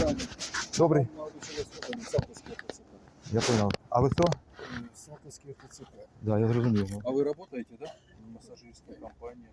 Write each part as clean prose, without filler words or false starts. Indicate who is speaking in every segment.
Speaker 1: Добрый. Я понял. А вы кто?
Speaker 2: Салтовский РТЦК.
Speaker 1: Да, я зрозумів.
Speaker 2: А вы работаете, да? Массажистская компания.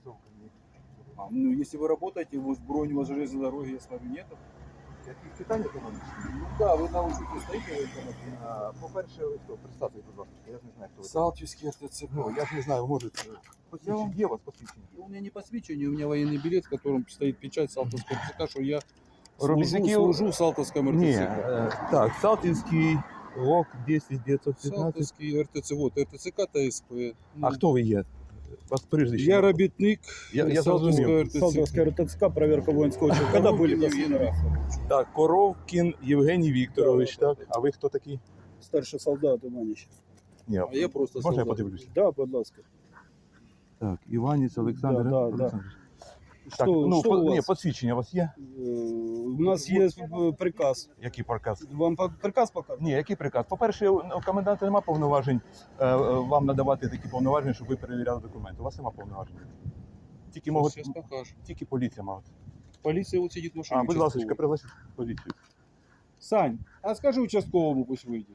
Speaker 2: Ну, если вы работаете, вот бронь у вас железной дороги, я смотрю, нету.
Speaker 1: Яких питань економічних?
Speaker 2: Ну да, вы на учете стоите в этом.
Speaker 1: По-перше, ви хто? Представте, будь ласка. Я ж не знаю, хто ви.
Speaker 2: Салтовский РТЦК.
Speaker 1: Ну, я ж не знаю, може, посвідчення є у вас посвідчення?
Speaker 2: У меня не посвящение, у меня военный билет, в котором стоит печать Салтовского РТЦК, что я
Speaker 1: Робітників-
Speaker 2: служу в Салтовском
Speaker 1: Ні,
Speaker 2: РТЦК.
Speaker 1: так, Салтівський ОК 10915.
Speaker 2: Салтовский РТЦК, вот РТЦК ТСП.
Speaker 1: А хто ви є? Вас прізвище?
Speaker 2: Я робітник
Speaker 1: Я
Speaker 2: Салтовского
Speaker 1: зрозумів.
Speaker 2: РТЦК.
Speaker 3: Салтовская РТЦК, проверка воинского учета. Когда были
Speaker 2: Коровкин
Speaker 3: последний
Speaker 2: Евгений
Speaker 3: раз?
Speaker 1: Так, Коровкін Євгеній Вікторович, так? А ви хто такий?
Speaker 3: Старший солдат Иванич.
Speaker 1: Ні,
Speaker 2: А я просто
Speaker 1: можна я
Speaker 2: солдат.
Speaker 1: подивлюсь?
Speaker 3: Да, будь ласка.
Speaker 1: Так, Іванець Олександр
Speaker 3: Да, да,
Speaker 1: Олександрович.
Speaker 3: Что,
Speaker 1: Так, ну,
Speaker 3: что у
Speaker 1: ні,
Speaker 3: вас?
Speaker 1: посвідчення у вас є?
Speaker 3: У нас есть приказ.
Speaker 1: Який приказ?
Speaker 3: Вам приказ показывают?
Speaker 1: Ні, який приказ? По-перше, у коменданта немає повноважень вам надавати такі повноваження, щоб ви перевіряли документи. У вас немає повноважень. Тільки,
Speaker 2: Сейчас покажу.
Speaker 1: тільки поліція має.
Speaker 2: Полиция вот сидит в машине.
Speaker 1: А, будь ласка,
Speaker 2: участковый.
Speaker 1: пригласіть поліцію.
Speaker 2: Сань, а скажи участковому, пусть выйдет.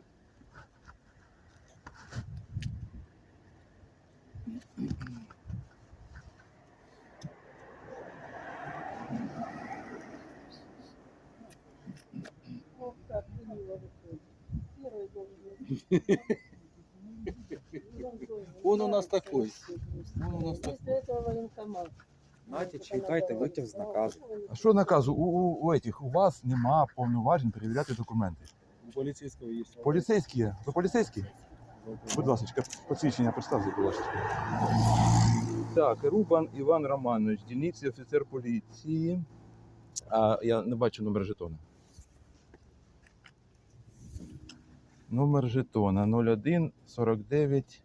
Speaker 4: Ох, как мило выходит. Первый должен
Speaker 2: Он у нас такой. Он у нас такой.
Speaker 4: После этого военкомат.
Speaker 5: Знаєте, читайте витяг з наказу.
Speaker 1: А що наказу? У вас нема повноважень перевіряти документи.
Speaker 2: У полицейского есть.
Speaker 1: Поліцейські є. Ви поліцейські? Будь ласка, посвідчення представте, будь ласка. Так, Рубан Іван Романович, дільниці офіцер поліції. А я не бачу номер жетона. Номер жетона 01 49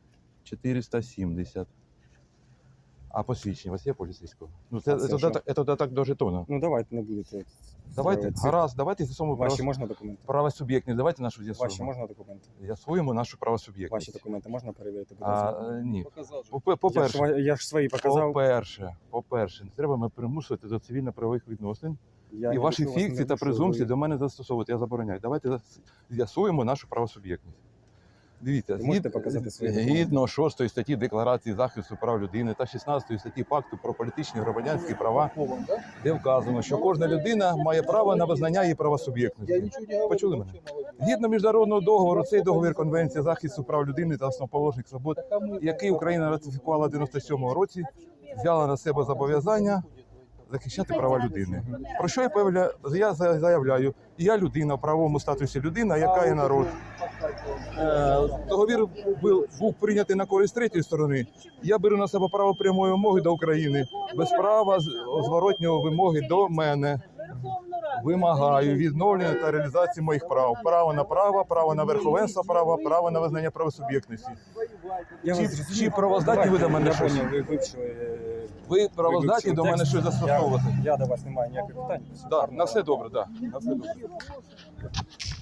Speaker 1: 470. А посвідчення у вас є поліцейського? Ну, це додаток до жетона.
Speaker 5: Ну давайте не будете.
Speaker 1: Давайте,
Speaker 5: Це-
Speaker 1: гаразд, давайте з'ясуємо
Speaker 5: Ваші можна документи?
Speaker 1: правосуб'єктність. Давайте нашу
Speaker 5: Ваші
Speaker 1: з'ясуємо.
Speaker 5: можна документи?
Speaker 1: З'ясуємо нашу
Speaker 5: Ваші
Speaker 1: правосуб'єктність.
Speaker 5: документи можна перевірити? Будь ласка?
Speaker 1: Ні.
Speaker 2: Показал же.
Speaker 1: По-перше,
Speaker 5: Я ж свої показав.
Speaker 1: по-перше, не треба мене примусувати до цивільно-правових відносин.
Speaker 5: Я
Speaker 1: І
Speaker 5: не
Speaker 1: ваші
Speaker 5: прошу вас,
Speaker 1: фікції
Speaker 5: не
Speaker 1: та
Speaker 5: прошу,
Speaker 1: презумпції
Speaker 5: ви-
Speaker 1: до мене застосовувати. Я забороняю. Давайте з'ясуємо нашу правосуб'єктність. Дивіться,
Speaker 5: Ви можете показати свої документи?
Speaker 1: згідно 6 статті Декларації захисту прав людини та 16 статті Пакту про політичні і громадянські права, де вказано, що кожна людина має право на визнання її
Speaker 2: Я
Speaker 1: правосуб'єктності.
Speaker 2: ничего не говорю.
Speaker 1: Почули мене?
Speaker 2: вообще молодец.
Speaker 1: Згідно міжнародного договору, цей договір Конвенції захисту прав людини та основоположних свобод, який Україна ратифікувала в 97-му році, взяла на себе зобов'язання захищати права людини. Про що я заявляю? Я людина в правовому статусі людина, яка є народ. Договір був прийнятий на користь третьої сторони. Я беру на себе право прямої вимоги до України, без права зворотнього вимоги до мене. Вимагаю відновлення та реалізації моїх прав. Право на верховенство права, право на визнання правосуб'єктності.
Speaker 5: Я
Speaker 1: Чи-
Speaker 5: вас зрозумів.
Speaker 1: чи правоздатні ви до мене
Speaker 5: Я
Speaker 1: щось?
Speaker 5: поняв, ви вивчили.
Speaker 1: Ви правоздатні до мене
Speaker 5: текст.
Speaker 1: щось застосовувати?
Speaker 5: Я до вас не маю ніяких питань.
Speaker 1: Так, на все добре, так. На все добре.